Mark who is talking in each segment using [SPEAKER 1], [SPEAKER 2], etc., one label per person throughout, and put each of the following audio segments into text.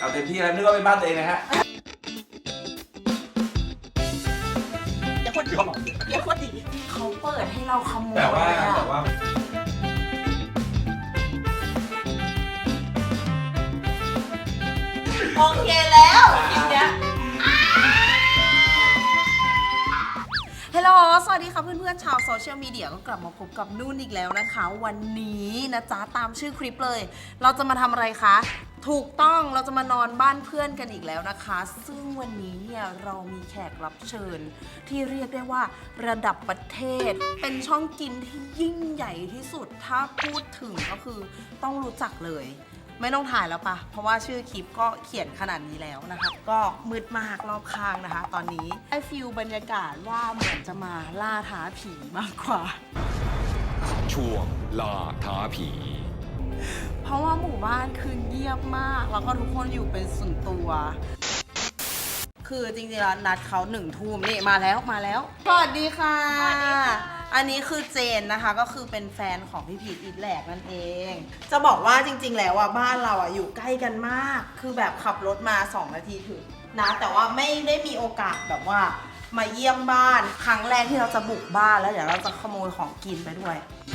[SPEAKER 1] เอาเต็มที่แล้วนึกว่าเป็นบ้านตัวเองนะฮะ
[SPEAKER 2] อย่าพูดดีอย่าพูดดีเขาเปิดให้เราขโมย
[SPEAKER 1] แต่ว่า
[SPEAKER 2] โอเคแล้วคลิปเนี้ยฮัลโหลสวัสดีค่ะเพื่อนๆชาวโซเชียลมีเดียก็กลับมาพบกับนุ่นอีกแล้วนะคะวันนี้นะจ๊ะตามชื่อคลิปเลยเราจะมาทำอะไรคะถูกต้องเราจะมานอนบ้านเพื่อนกันอีกแล้วนะคะซึ่งวันนี้เนี่ยเรามีแขกรับเชิญที่เรียกได้ว่าระดับประเทศเป็นช่องกินที่ยิ่งใหญ่ที่สุดถ้าพูดถึงก็คือต้องรู้จักเลยไม่ต้องถ่ายแล้วปะเพราะว่าชื่อคลิปก็เขียนขนาดนี้แล้วนะคะก็มืดมากรอบข้างนะคะตอนนี้ได้ฟิลบรรยากาศว่าเหมือนจะมาล่าท้าผีมากกว่า
[SPEAKER 3] ช่วงล่าท้าผี
[SPEAKER 2] เพราะว่าหมู่บ้านคือเงียบมากแล้วก็ทุกคนอยู่เป็นส่วนตัวคือจริงๆแล้วนัดเขา1 ทุ่มนี่มาแล้วสวัสดีค่ะอันนี้คือเจนนะคะก็คือเป็นแฟนของพี่พีทอีทแหลกนั่นเองจะบอกว่าจริงๆแล้วอ่ะบ้านเราอ่ะอยู่ใกล้กันมากคือแบบขับรถมา2 นาทีถึงนะแต่ว่าไม่ได้มีโอกาสแบบว่ามาเยี่ยมบ้านครั้งแรกที่เราจะบุกบ้านแล้วเดี๋ยวเราจะขโมยของกินไปด้วย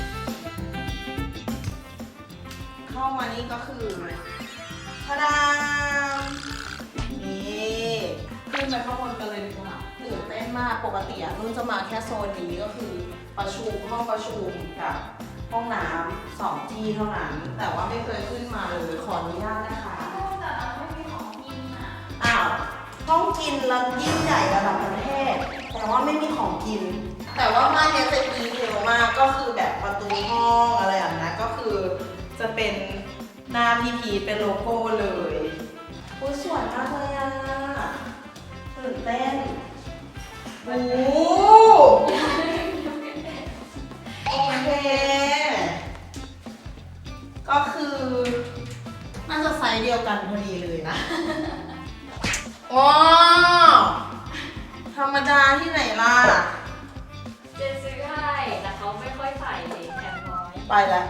[SPEAKER 2] เข้ามานี่ก็คือทะดามนี่ขึ้นไปข้างบนกันเลยดีกว่าตื่นเต้นมากปกติอะนุ่นจะมาแค่โซนนี้ก็คือประชุมห้องประชุมกับห้องน้ำ2 ที่เท่านั้นแต่ว่าไม่เคยขึ้นมาเลยขออนุญาตนะคะแต่ไม่มีของกินอะอ้าวห้องกินแล้วยิ่งใหญ่ระดับประเทศแต่ว่าไม่มีของกินแต่ว่าบ้านนี้จะดีเยอะมากก็คือแบบประตูห้องอะไรอย่างนั้นก็คือจะเป็นหน้าพี่พีทเป็นโลโก้เลยโอ้สวยมากเลยอ่ะตื่นเต้นโอ้โอเคก็คือน่าจะไซส์เดียวกันพอดีเลยนะว้าวธรรมดาที่ไหนล่ะ
[SPEAKER 4] เจนซื้อให้แต่เขาไม่ค่อยใส่แถมน้อย
[SPEAKER 2] ไปแล้ว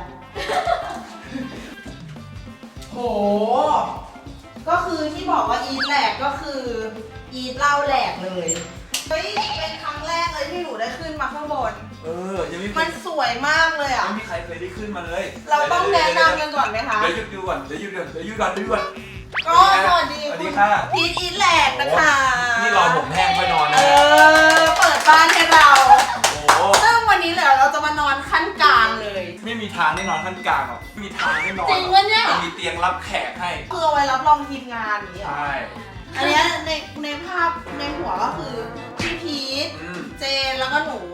[SPEAKER 2] โหก็คือที่บอกว่าอีทแหลกก็คืออีทเล่าแหลกเลยเฮ้ยเป็นครั้งแรกเลยที่หนูได้ขึ้นมาข้างบน
[SPEAKER 1] ยังไม่
[SPEAKER 2] มันสวยมากเลยอ่ะ
[SPEAKER 1] ไม่มีใครเคยได้ขึ้นมาเลย
[SPEAKER 2] เราต้องแนะนำกันก่อนไหมคะ
[SPEAKER 1] เดี๋ยวหยุดดูก่อน
[SPEAKER 2] ก็สวัสดี
[SPEAKER 1] ค่ะ
[SPEAKER 2] พีทอีทแหลกนะคะ
[SPEAKER 1] นี่รอผมแห้งค่อยนอนนะ
[SPEAKER 2] เปิดบ้านให้เราซึ่งวันนี้เราจะมานอนขั้นกลางเลย
[SPEAKER 1] ไม่มีทางได้นอนขั้นกลางหรอกมีทางได้นอน
[SPEAKER 2] จริงวะเนี่ย
[SPEAKER 1] มันมีเตียงรับแขกให้
[SPEAKER 2] คือเอาไว้รับรองทีมงานนี้
[SPEAKER 1] ใช่
[SPEAKER 2] อันนี้ในภาพในหัวก็คือพี่พีทเจนแล้วก็หนู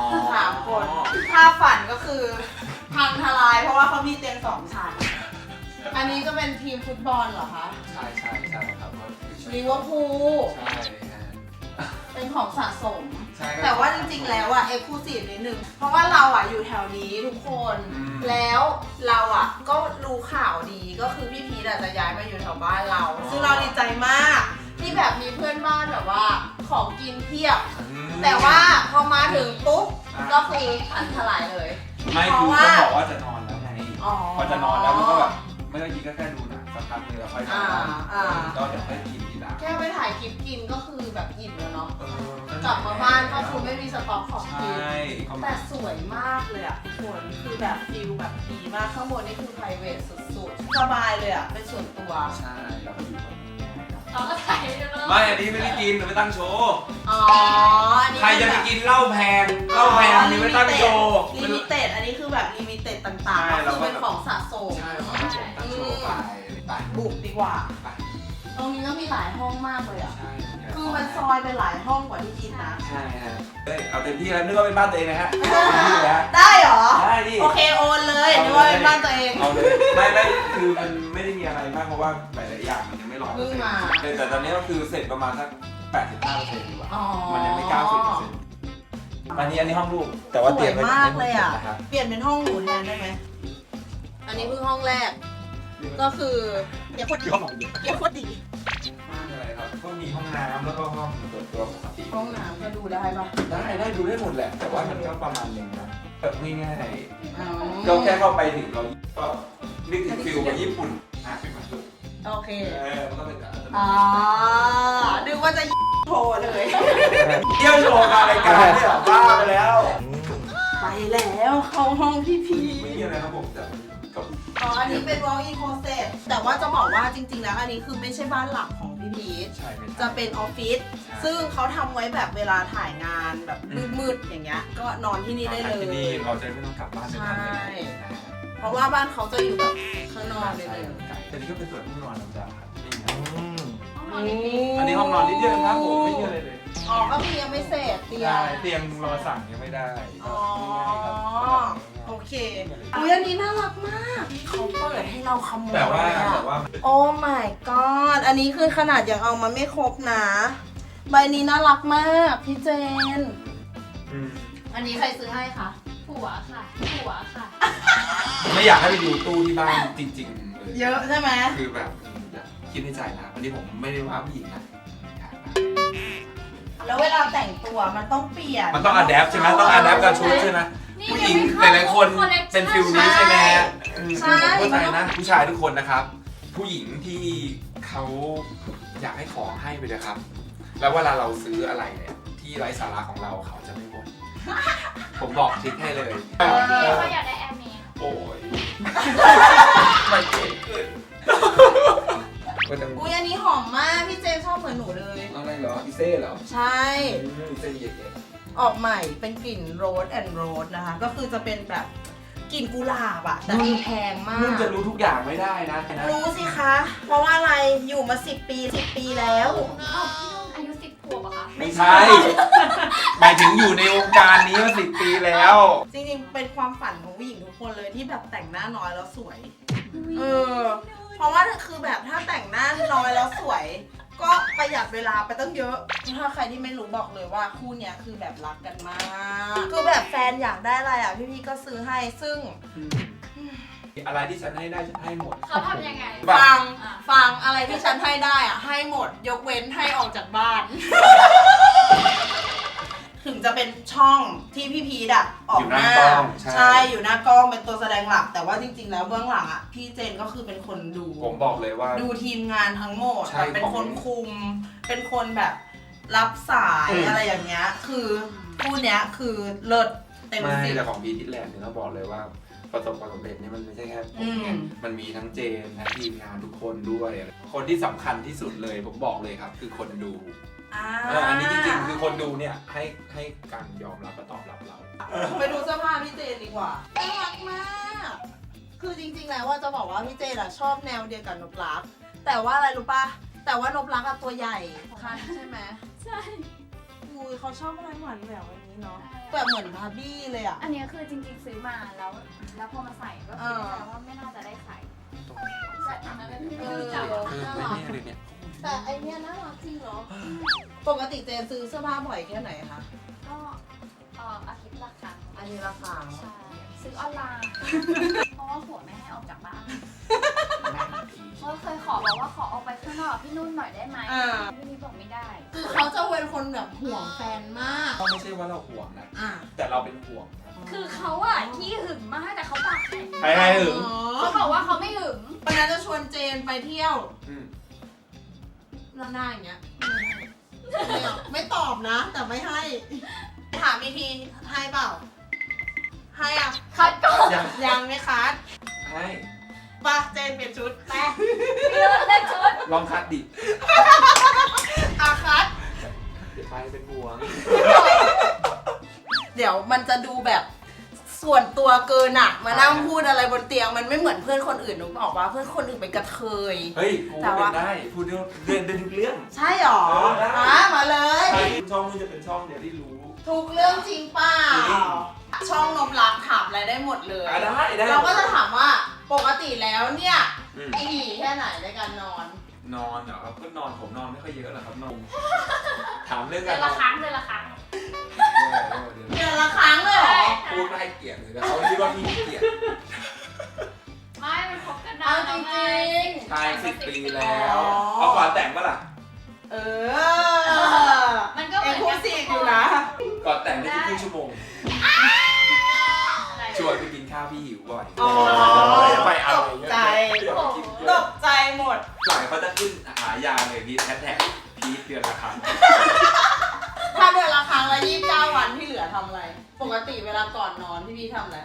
[SPEAKER 2] 3 คนภาพฝันก็คือพังทลายเพราะว่าเขามีเตียง2 ชั้นอันนี้จะเป็นทีมฟุตบอลเหรอคะ
[SPEAKER 1] ใช่ครับ
[SPEAKER 2] ลิเวอร์พูล
[SPEAKER 1] ใช่
[SPEAKER 2] เป็นของสะสม
[SPEAKER 1] แต่
[SPEAKER 2] ว่าจริงๆแล้วอ่ะเอ็กซ์คลูซีฟนิดนึงเพราะว่าเราอ่ะอยู่แถวนี้ทุกคนแล้วเราอ่ะก็รู้ข่าวดีก็คือพี่พีทจะย้ายมาอยู่แถวบ้านเราซึ่งเราดีใจมากที่แบบมีเพื่อนบ้านแบบว่าของกินเพียบแต่ว่าพอมาถึงปุ๊บก็คือพังทลายเลย
[SPEAKER 1] ไม่คือเขาบอกว่าจะนอนแล้วไงพอจะนอนแล้วมันก็แบบไม่ต้องยิงก็แค่ดูหนังสักพักนึงแล้วค่อยนอนก็เดี๋ยวค่อยกินทีหลัง
[SPEAKER 2] แค่ไปถ่ายคลิปกินก็คือแบบอิ่มแล้วเนาะกลับมาบ้านก็คือไม่มีสต็อกของกินแต่สวยมากเลยอ่ะทุกคนคือแบบฟิลแบบดีมากข้างบนนี่คือ private สุดๆสบายเลยอ่ะเป็นส่วนตัว
[SPEAKER 1] ใช่แล้วก็อยู่ตรงนี้
[SPEAKER 4] เราก็ถ่ายได้เลย
[SPEAKER 1] ไม่อันนี้ไม่ได้กินหรือไม่ตั้งโชว์ใครจะไปกินเหล้าแพงมีไม่ตั้งโชว์
[SPEAKER 2] ลิมิเต็ดอันนี้คือแบบลิมิเต็ดต่างๆก็คือเป็นของสะสม
[SPEAKER 1] ใช่ของสะสมตั้งโชว์ไป
[SPEAKER 2] บุกดีกว่าตรงนี้ก็มีหลายห้องมากเลยอ่ะคือมันซอยเป็นหลายห้องกว่าที่คิดนะ
[SPEAKER 1] ใช่ฮะเอาเต็มที่แล้วนึกว่าเป็นบ้านตัวเองนะฮะ
[SPEAKER 2] ได้เหรอ
[SPEAKER 1] ได้ดิ
[SPEAKER 2] โอเคโอนเลยนึกว่าเป็นบ้านตัวเอง
[SPEAKER 1] เอาเลยไม่คือมันไม่ได้มีอะไรมากเพราะว่าหลายๆอย่างมันยังไม่100%แต่ตอนนี้ก็คือเสร็จประมาณสัก 85% ดีกว่ามันยังไม่ 90%อันนี้ห้องลูกแต่ว่าเตียง
[SPEAKER 2] มากเลยอ่ะเปลี่ยนเป็นห้องหนูแทนได้ไหมอันนี้เพิ่งห้องแรกก็คืออย่าพูดดี
[SPEAKER 1] อะไรครับก็มีห้องน้ำแล้วก็ห้องส่วนตัวปกติ
[SPEAKER 2] ห้องน้ำก็ดูได้ปะ
[SPEAKER 1] ได้ดูได้หมดแหละแต่ว่ามันก็ประมาณนึงนะแบบง่ายๆก็แค่เข้าไปถึงเราก็นึกถึงฟิลแบบญี่ปุ่นเป็นมาสุด
[SPEAKER 2] โอเค
[SPEAKER 1] มันก็เป็นแบบ
[SPEAKER 2] นึกว่าจะโทรเลย
[SPEAKER 1] เที่ยวโชว์มารายการเนี่ยบ้าไปแล้ว
[SPEAKER 2] ไปแล้วเข้าห้องพี่พี
[SPEAKER 1] ไม่มีอะไรครับผมแต่ก็
[SPEAKER 2] อันนี้เป็น walk-in closet แต่ว่าจะบอกว่าจริงๆแล้วอันนี้คือไม่ใช่บ้านหลักของพี่พีช
[SPEAKER 1] ใช่ไม่ใช่
[SPEAKER 2] จะเป็นออฟฟิศซึ่งเขาทำไว้แบบเวลาถ่ายงานแบบมืดๆอย่างเงี้ยก็นอนที่นี่ได้เลย
[SPEAKER 1] ที่นี่เราจะไม่ต้องกลับบ้านไปทำเลยนะ
[SPEAKER 2] เพราะว่าบ้านเขาจะอยู่แบบข้างนอกเลย
[SPEAKER 1] แต่นี่ก็เป็นส่วนห้องนอนธรรมดาครับนี่ไง
[SPEAKER 4] ห้องนอนนี้
[SPEAKER 1] อันนี้ห้องนอนนิดเดียวครับผมไม่เยอะเลยเลย
[SPEAKER 2] อ๋อก็มียังไม่เสร็จเตีย
[SPEAKER 1] ใช่
[SPEAKER 2] ง
[SPEAKER 1] เตียงรอสั่งยังไม่ได้
[SPEAKER 2] อ๋อ
[SPEAKER 1] ครับ
[SPEAKER 2] โอเคอุ้ยอันนี้น่ารักมากเขาเปิดให้เราขโมย
[SPEAKER 1] แต่ว่า
[SPEAKER 2] โอ้ my god อันนี้คือขนาดยังเอามาไม่ครบนะใบนี้น่ารักมากพี่เจน อันนี้ใครซื้อให้คะ
[SPEAKER 4] ผัวค่ะผัวค่ะ
[SPEAKER 1] ไม่อยากให้ไปดูตู้ที่บ้านจริงๆเลย
[SPEAKER 2] เยอะใช่ไหม
[SPEAKER 1] คือแบบคิดในใจนะวันนี้ผมไม่ได้ว่าผู้หญิงนะ
[SPEAKER 2] แล้วเวลาแต่งตัวมันต้องเปลี่ยน
[SPEAKER 1] มันต้องอัดแอปใช่ไหมต้องอัดแอปกับชุดใช่ไหมผู้หญิงหลายๆคนเป็นฟิลนี้ใช่ไหมผมเข้าใจนะผู้ชายทุกคนนะครับ ผู้หญิงที่เขาอยากให้ของให้ไปเลยครับ แล้วเวลาเราซื้ออะไรเนี่ยที่ไร้สาระของเราเขาจะไม่บ่นผมบอกทริคให้เลย
[SPEAKER 4] เขาอยากได้แอร์เมส
[SPEAKER 1] โอ้ยไม่เก่งเกินก็จะ
[SPEAKER 2] อุ้ยอันนี้หอมมากพี่เจนชอบเหมือนหนูเลย
[SPEAKER 1] อะไรเหรออีเซ่เหรอ
[SPEAKER 2] ใช่
[SPEAKER 1] อีเซ่เย็น
[SPEAKER 2] ออกใหม่เป็นกลิ่นโรสแอนด์โรสนะคะ ก็คือจะเป็นแบบกลิ่นกุหลาบอะแต่มีแพงมา
[SPEAKER 1] นุ่น
[SPEAKER 2] ก
[SPEAKER 1] จะรู้ทุกอย่างไม่ได้นะ
[SPEAKER 2] รู้สิคะ เพราะว่าอะไรอยู่มา10 ปีแล้ว
[SPEAKER 4] อ้าวพี่นุ่นอายุ10 ขวบอะคะ
[SPEAKER 1] ไม่ใช่หมายถึงอยู่ในวงการนี้มา10 ปีแล้ว
[SPEAKER 2] จริงๆ เป็นความฝันของผู้หญิงทุกคนเลยที่แบบแต่งหน้าน้อยแล้วสวย เพราะว่าคือแบบถ้าแต่งหน้าน้อยแล้วสวย ก็ประหยัดเวลาไปตั้งเยอะ ถ้าใครที่ไม่รู้บอกเลยว่าคู่เนี้ยคือแบบรักกันมาก คือแบบแฟนอยากได้อะไรอ่ะพี่ๆก็ซื้อให้ซึ่ง
[SPEAKER 1] อะไรที่ฉันให้ได้ฉันให้หมด
[SPEAKER 4] เขาทำยังไง
[SPEAKER 2] ฟังอะไรที่ฉันให้ได้อ่ะให้หมดยกเว้นให้ออกจากบ้าน ถึงจะเป็นช่องที่พี่พีดอะออกหน้า
[SPEAKER 1] อยู่หน้ากล้องใช่
[SPEAKER 2] ใช่อยู่หน้ากล้องเป็นตัวแสดงหลัก แต่ว่าจริงๆแล้วเบื้องหลังอะพี่เจนก็คือเป็นคนดู
[SPEAKER 1] ผมบอกเลยว่า
[SPEAKER 2] ดูทีมงานทั้งหมด
[SPEAKER 1] ใช่
[SPEAKER 2] แบบเป็นคนคุม เป็นคนแบบรับสายอะไรอย่างเงี้ยคือคู่เนี้ยคือเลิศเต็ม
[SPEAKER 1] ไม่
[SPEAKER 2] สิบ
[SPEAKER 1] แต่ของพีทิแลนด์เนี่ยต้องบอกเลยว่าประสบความสำเร็จเนี่ยมันไม่ใช่แค่ผมไงมันมีทั้งเจนทั้งทีมงานทุกคนด้วย คนที่สำคัญที่สุดเลยผมบอกเลยครับ คือคนดู อันนี้จริงๆคือคนดูเนี่ยให้การยอมรับและตอบรับเรา
[SPEAKER 2] ไปดูเสื้อผ้าพี่เจนดีกว่าน่ารักมาก คือจริงๆแล้วว่าจะบอกว่าพี่เจนอะชอบแนวเดียวกับนบลัก แต่ว่าอะไรรู้ปะแต่ว่านบลักอะตัวใหญ่ค่ะใช่ไหม
[SPEAKER 4] ใช่
[SPEAKER 2] อุ้ยเขาชอบอะไรหวานแหววอย่างนี้เนาะแบบเหมือนบาร์บี้เลยอะ
[SPEAKER 4] อันนี้คือจริงๆซื้อมาแล้วพอมาใส่ก็คิดว่าไม่น่าจะได้ใส่แต่อันนั้นคือจับน่ารัก
[SPEAKER 1] เนี่ย
[SPEAKER 2] แต่ไอเนี้ยน่ารักจริงเนาะปกติเจนซื้อเสื้อผ้าบ่อยแค่ไหนคะ
[SPEAKER 4] ก็อาทิตย์ละครั้ง
[SPEAKER 2] อันนี้ราคา
[SPEAKER 4] ใช่ซื้อออนไลน์ เพราะว่าผัวไม่ให้ออกจากบ้านเพราะเคยบอกว่าขอออกไปข้างนอกพี่นุ่นหน่อยได้ไหมพี่นุ่นบอกไม่ได้
[SPEAKER 2] คือเขาจะเป็นคนแบบห่วงแฟนมาก
[SPEAKER 1] ก็ไม่ใช่ว่าเราห่วงนะ
[SPEAKER 2] อ่ะ
[SPEAKER 1] แต่เราเป็นห่วงนะ
[SPEAKER 4] คือเขาอะขี้หึงมากแต่เขาปากแข็ง
[SPEAKER 1] ใครให้หึง
[SPEAKER 4] เขาบอกว่าเขาไม่หึง
[SPEAKER 2] วันนั้นจะชวนเจนไปเที่ยว
[SPEAKER 1] อืม
[SPEAKER 2] แล้วหน้าอย่างเงี้ยไม่ตอบนะ แต่ไม่ให้ ถามอีกทีให้เปล่า ให้อ่ะ
[SPEAKER 4] คัดก่อน
[SPEAKER 2] ยังไม่คัด
[SPEAKER 1] ให้
[SPEAKER 2] ไปะเจนเปลี่ยนชุดไป
[SPEAKER 4] เลือกเล่นชุด
[SPEAKER 1] ลองคัดดิ
[SPEAKER 2] อาคัด
[SPEAKER 1] เดี๋ยวไปเป็นห่วง
[SPEAKER 2] เดี๋ยวมันจะดูแบบส่วนตัวเกินอะมานั่งพูดอะไรบนเตียงมันไม่เหมือนเพื่อนคนอื่นหนูบอกว่าเพื่อนคนอื่นเป็นกระเทย
[SPEAKER 1] เฮ้ยกูเป็นได้พูดเรื่องทุกเรื่อง
[SPEAKER 2] ใช่หรอ
[SPEAKER 1] ได้
[SPEAKER 2] มาเลย
[SPEAKER 1] ใช่ช่องนี้จะเป็นช่องเดียวที่รู้
[SPEAKER 2] ทุกเรื่องจริงเปล่า
[SPEAKER 1] จริง
[SPEAKER 2] ช่องนมรักถามอะไรได้หมดเลย
[SPEAKER 1] ได้
[SPEAKER 2] เราก็จะถามว่าปกติแล้วเนี่ย
[SPEAKER 1] อืม
[SPEAKER 2] ถี่แค่ไหนในการนอน
[SPEAKER 1] นอนเหรอครับก็นอนผมนอนไม่ค่อยเยอะหรอกครับนอนถามเรื่อง
[SPEAKER 4] เดื
[SPEAKER 1] กั
[SPEAKER 4] อน นละครั้งเดือนละครั้ง
[SPEAKER 2] เดือนละครั้งเลยเหรอ
[SPEAKER 1] พูดไม่ให้เกียรติเลยนะเขาคิดว่าพี่เกียรติ
[SPEAKER 4] ไม่มันคบกันนา
[SPEAKER 2] เอา
[SPEAKER 4] น
[SPEAKER 2] จ
[SPEAKER 4] แล้วไง
[SPEAKER 2] ริง
[SPEAKER 1] ใช่10 ปีแล้วเอาก่อนแต่งปะล่ะ
[SPEAKER 2] ๆเออ
[SPEAKER 4] มันก็เห
[SPEAKER 2] เอ็
[SPEAKER 4] มื
[SPEAKER 2] ก
[SPEAKER 4] อน
[SPEAKER 2] ซ์คลูซีฟอยู่นะ
[SPEAKER 1] ก่อนแต่งได้แค่ครึ่งชั่วโมง
[SPEAKER 4] อะไร
[SPEAKER 1] ชวนไปกินข้าวาวพี่หิวบ่อย
[SPEAKER 2] อ๋อ
[SPEAKER 1] ไปอะ
[SPEAKER 2] ต
[SPEAKER 1] ไร
[SPEAKER 2] ก
[SPEAKER 1] เงี้ย
[SPEAKER 2] ใจ ตกใจหมด
[SPEAKER 1] หลังเขาจะขึ้นหายาเลยพีทแท็กพีทเดือนละครั้ง
[SPEAKER 2] ถ้าเดือนละครั้งละ29 วันที่เหลือทำอะไร ปกติเวลาก่อนนอนพี่ทำอะไร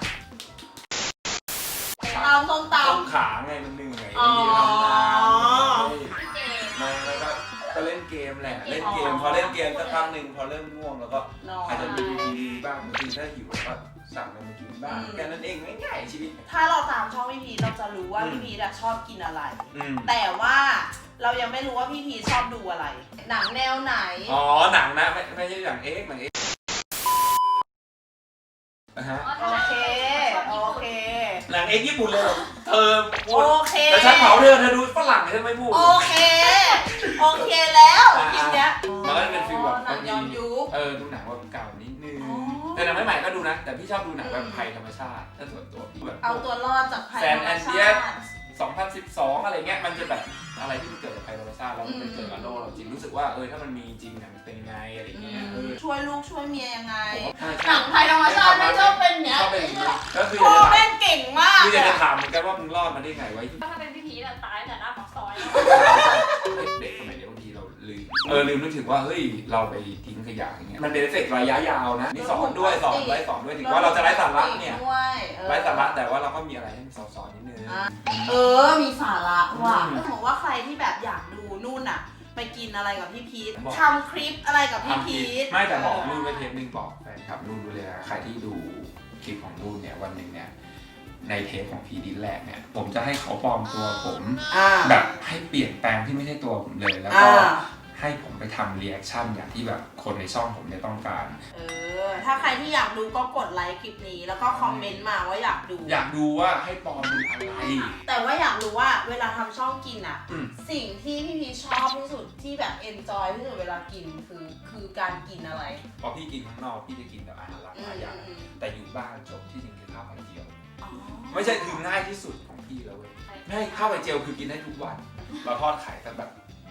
[SPEAKER 2] ตำส้มต
[SPEAKER 1] ต้มขาไงมันเหนื่อย
[SPEAKER 2] อ๋อ
[SPEAKER 1] มีทำงาน
[SPEAKER 4] พี่เจมส์
[SPEAKER 1] ไม่ก็เล่นเกมแหละเล่นเกมพอเล่นเกมสักพักหนึ่งพอเริ่มง่วงแล้วก็
[SPEAKER 2] ำนอน
[SPEAKER 1] อาจจะดูทีวีบ้างบางทีถ้าหิวก็สั่งอะไรมากินบ้างแค่นั้นเองง่ายๆชีวิต
[SPEAKER 2] ถ้าเราตามช่องพี่พีชเราจะรู้ว่าพี่พีชอะชอบกินอะไร
[SPEAKER 1] อืม
[SPEAKER 2] แต่ว่าเรายังไม่รู้ว่าพี่พีชชอบดูอะไร หนังแนวไหน
[SPEAKER 1] อ๋อหนังนะไม่ใช่หนังเอ็กหนังเอ็กนะฮะ
[SPEAKER 4] อ๋อ
[SPEAKER 2] โอ
[SPEAKER 4] ถ้า
[SPEAKER 2] เค
[SPEAKER 4] ชอบ
[SPEAKER 2] โอ
[SPEAKER 4] ญี่ปุ่น
[SPEAKER 2] เค
[SPEAKER 1] หนังเอ็กญี่ปุ่นเลยเหรอเธอพู
[SPEAKER 2] โอ
[SPEAKER 1] ด
[SPEAKER 2] เค
[SPEAKER 1] แต่ฉันเผาเธอดูฝรั่งฉันไม่พูด
[SPEAKER 2] โอเค โอเคแล้วทีเนี้ย
[SPEAKER 1] มันก็จะเป็นฟีลแบบ
[SPEAKER 2] หนังย้อนยุค
[SPEAKER 1] ดูหนังแบบเก่านิดนึง
[SPEAKER 2] อ๋อ
[SPEAKER 1] แต่หนังใหม่ๆก็ดูนะ แต่พี่ชอบดูหนังแบบภัยธรรมชาติถ้าส่วนตัวพี่แบบ
[SPEAKER 2] เอาตัวรอดจากภัย
[SPEAKER 1] แซ
[SPEAKER 2] ธร
[SPEAKER 1] น
[SPEAKER 2] รม
[SPEAKER 1] แอนเดี
[SPEAKER 2] ชาย
[SPEAKER 1] ส
[SPEAKER 2] ติ
[SPEAKER 1] 2012 อะไรเงี้ยมันจะแบบอะไรที่มันเกิดจากภัยธรรมชาติแล้วมันไปเกิดกับโลกเราจริงรู้สึกว่าถ้ามันมีจริงเนี่ยมันเป็นยังไงอะไรเงี้ย
[SPEAKER 2] ช่วยลูกช่วยเมียยังไง
[SPEAKER 1] ใช่
[SPEAKER 2] หนังภัยธรรมชาติไม่ชอบเป็นเนี้ย
[SPEAKER 1] ชอบเป็นอย่างนี้ก็คือ
[SPEAKER 2] พ่อแม่งเก่งมาก
[SPEAKER 1] คืออยากจะถามเหมือนกันว่ามึงรอดมาได้ไงไว้
[SPEAKER 4] ถ้าเป็นพี่พีชอะตายแต่หน้าปากซอยแล้ว
[SPEAKER 1] เด็กสมัยเดียวบางทีเราลืมนึกถึงว่าเฮ้ยเราไปทิ้งขยะอย่างเงี้ยมันเป็นเอฟเฟกต์ระยะยาวนะนี่สอนด้วยสอนถึงว่าเราจะไร้สาระเนี่ยไร้สาระแต่ว่าเราก็มีอะไรให้มันสอนนิดนึง
[SPEAKER 2] มีสาระว่ะถ้าสมมติว่าใครที่แบบอยากดูนู่นน่ะ ไปกินอะไรกับพี่พีททำคลิปอะไรกับพี่พีท
[SPEAKER 1] ไม่แต่บอกนู่นไปเทปนึงบอกแฟนคลับนู่นดูเลยนะใครที่ดูคลิปของนู่นเนี่ยวันหนึ่งเนี่ยในเทปของพีดินแรกเนี่ยผมจะให้เขาปลอมตัวผมแบบให้เปลี่ยนแปลงที่ไม่ใช่ตัวผมเลยแล้วก็ให้ผมไปทำรีแอคชั่นอย่างที่แบบคนในช่องผมเนี่ยต้องการ
[SPEAKER 2] ถ้าใครที่อยากดูก็กดไลค์คลิปนี้แล้วก็คอมเมนต์มาว่าอยากดู
[SPEAKER 1] ว่าให้ปลอมเป็นอะไร
[SPEAKER 2] แต่ว่าอยากรู้ว่าเวลาทำช่องกินอ่ะสิ่งที่พี่พีชชอบที่สุดที่แบบเอนจอยที่สุดเวลากินคือการกินอะไร
[SPEAKER 1] พอพี่กินข้างนอกพี่จะกินแต่อาหารหลากหลายอย่างแต่อยู่บ้านจบที่จริงคือข้าวไข่เจียวไม่ใช่คือง่ายที่สุดของพี่แล้วเว้ยไม่ให้ข้าวไข่เจียวคือกินได้ทุกวันเราทอดไข่กันแบบ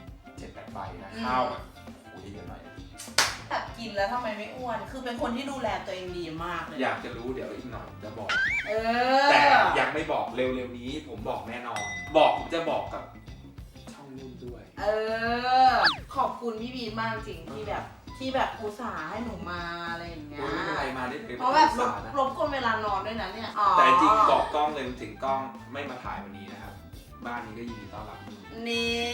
[SPEAKER 1] 7-8 ใบนะข้าวแบบโอ้ยเยอะหน่อย
[SPEAKER 2] แบบกินแล้วทำไมไม่อ้วนคือเป็นคนที่ดูแลตัวเองดีมากเลย
[SPEAKER 1] อยากจะรู้เดี๋ยวอีกหน่อยจะบอก
[SPEAKER 2] แต่
[SPEAKER 1] ยังไม่บอกเร็วๆนี้ผมบอกแน่นอนผมจะบอกกับช่องนุ่นด้วย
[SPEAKER 2] ขอบคุณพี่บีมากจริงที่แบบอุตส่าห์ให้หนูมาอะไรอย่างเงี้ย
[SPEAKER 1] ไม่เป็นไรมาได้เลย
[SPEAKER 2] เพราะแบบรบกวนเวลานอนด้วยนะเนี่ย
[SPEAKER 1] แต่จริงบอกกล้องเลยถึงกล้องไม่มาถ่ายวันนี้นะครับบ้านนี้ก็ยินดีต้อนรับ
[SPEAKER 2] นี่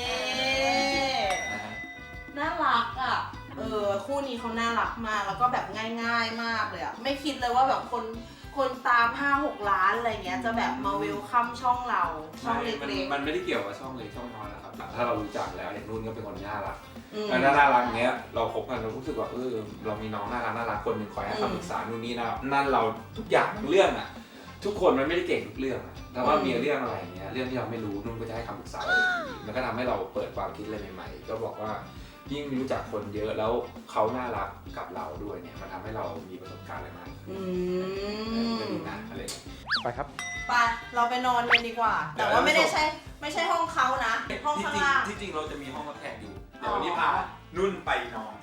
[SPEAKER 2] น่ารักอ่ะคู่นี้เขาน่ารักมากแล้วก็แบบง่ายๆมากเลยอ่ะไม่คิดเลยว่าแบบคนตาม 5-6 ล้านอะไรเงี้ยจะแบบมาเวลคัมช่องเราช่องเล็ก
[SPEAKER 1] ๆมันไม่ได้เกี่ยวกับช่องเล็กช่องน้อยนะครับถ้าเรารู้จักแล้วอย่างนุ่นก็เป็นคนน่ารักแล้วน่ารักเนี้ยเราคบกันเรารู้สึกว่าเรามีน้องน่ารักคนหนึ่งคอยให้คำปรึกษานู่นนี่นะนั่นเราทุกอย่างทั้งเรื่องอ่ะทุกคนมันไม่ได้เก่งทุกเรื่องแต่ว่ามีเรื่องอะไรเงี้ยเรื่องที่เราไม่รู้นุ่นก็จะให้คำปรึกษามันก็ทำให้เราเปิดความคิดอะไรใหม่ๆก็บอกว่ายิ่งรู้จักคนเยอะแล้วเขาน่ารักกับเราด้วยเนี่ยมันทำให้เรามีประสบการณ์อะไรมากก็ดีนะอะไรไปครับ
[SPEAKER 2] ไปเราไปนอนกันดีกว่าแต่ว่าไม่ใช่ห้องเขานะห้องข้างล่าง
[SPEAKER 1] ที่จริงเราจะมีห้องรับแขกอยู่เดี๋ยววันนี้พานุ่นไปนอน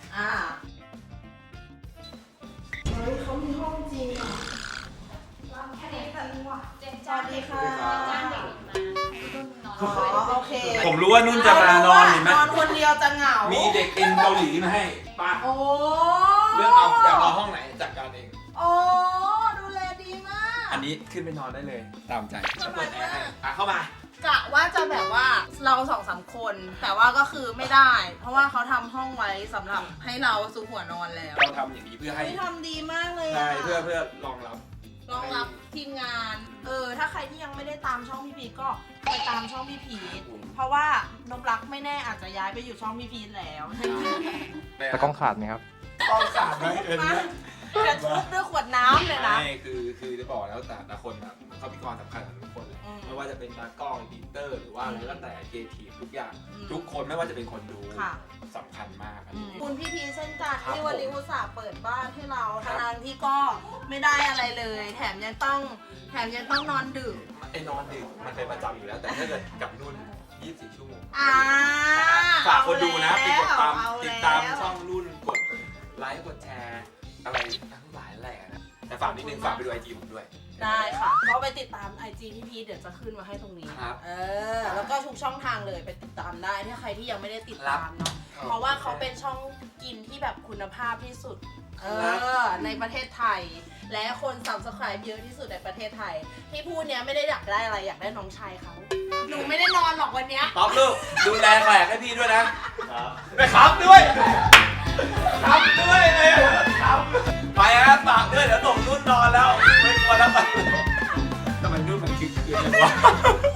[SPEAKER 2] เฮ้ยเขามีห้องจริงอ่ะ
[SPEAKER 4] แค่นี้แบบว่าเจน
[SPEAKER 2] สวัสดีค่ะ
[SPEAKER 4] จ้างเด็กมานุ่นนอน
[SPEAKER 2] โอเค
[SPEAKER 1] ผมรู้ว่านุ่นจะมานอนเห็นไหม
[SPEAKER 2] นอนคนเดียวจะเหงา
[SPEAKER 1] มีเด็กอินเกาหลีมาให้ป้าเรื่องอยากนอนห้องไหนจัดการเอง
[SPEAKER 2] ดูแลดีมาก
[SPEAKER 1] อันนี้ขึ้นไปนอนได้เลยตามใจจะเปิดแอร์ให้เข้าม
[SPEAKER 2] ากะว่าจะแบบว่าเรา 2-3 คนแต่ว่าก็คือไม่ได้เพราะว่าเขาทำห้องไว้สำหรับให้เราซุกหัวนอนแล้ว
[SPEAKER 1] เราทำอย่างนี้เพื่อให้
[SPEAKER 2] ทำดีมากเลย
[SPEAKER 1] ใช่เพื่อรองรับ
[SPEAKER 2] ทีมงานถ้าใครที่ยังไม่ได้ตามช่องพี่พีทก็ไปตามช่องพี่พีทเพราะว่านพรักไม่แน่อาจจะย้ายไปอยู่ช่องพี่พีทแล้ว
[SPEAKER 5] แต่กล้องขาดไหมครับ
[SPEAKER 1] กล้องขาดไหม
[SPEAKER 2] จะทุบด้วยขวดน้ำเลยนะ
[SPEAKER 1] ไม่คือจะบอกแล้วแต่คนแบบเขามีความสำคัญกับทุกคนเลยไม่ว่าจะเป็นตากล้องดิเตอร์หรือว่าอะไรก็แต่เกทีทุกอย่างทุกคนไม่ว่าจะเป็นคนดูสำคัญมาก
[SPEAKER 2] คุณพี่พีเช่นกันที่วันนี้อุตส่าห์เปิดบ้านให้เราทั้งที่ก็ไม่ได้อะไรเลยแถมยังต้องนอนดึก
[SPEAKER 1] นอนดึกมันเป็นประจำอยู่แล้วแต่ถ้าเกิดกับนุ่น24 ชั่วโมงฝากคนดูนะติดตามช่องนุ่นกดไลค์กดแชร์อะไรทั้งหลายแหล่นะแต่ฝากนิดนึงฝากไปดูIGผมด้วย
[SPEAKER 2] ได้ค่ะก็ไปติดตาม IG พี่พีชเดี๋ยวจะขึ้นมาให้ตรงนี้
[SPEAKER 1] ครับ
[SPEAKER 2] แล้วก็ทุกช่องทางเลยไปติดตามได้ถ้าใครที่ยังไม่ได้ติดตามเนาะเพราะว่าเขาเป็นช่องกินที่แบบคุณภาพที่สุดในประเทศไทย และคน Subscribe เยอะที่สุดในประเทศไทย ที่พูดเนี้ยไม่ได้อยากได้อะไรอยากได้น้องชายเขาหนูไม่ได้นอนหรอกวันเนี้ย
[SPEAKER 1] ป๊อปลูกดูแลแขกให้พี่ด้วยนะไปครับด้วยครับด้วยเลยครับไปฮะฝากด้วยเดี๋ยวส่งนุ่นนอนแล้วไม่กลัวแล้วทำไมนุ่นมันคิดคืนเลยวะ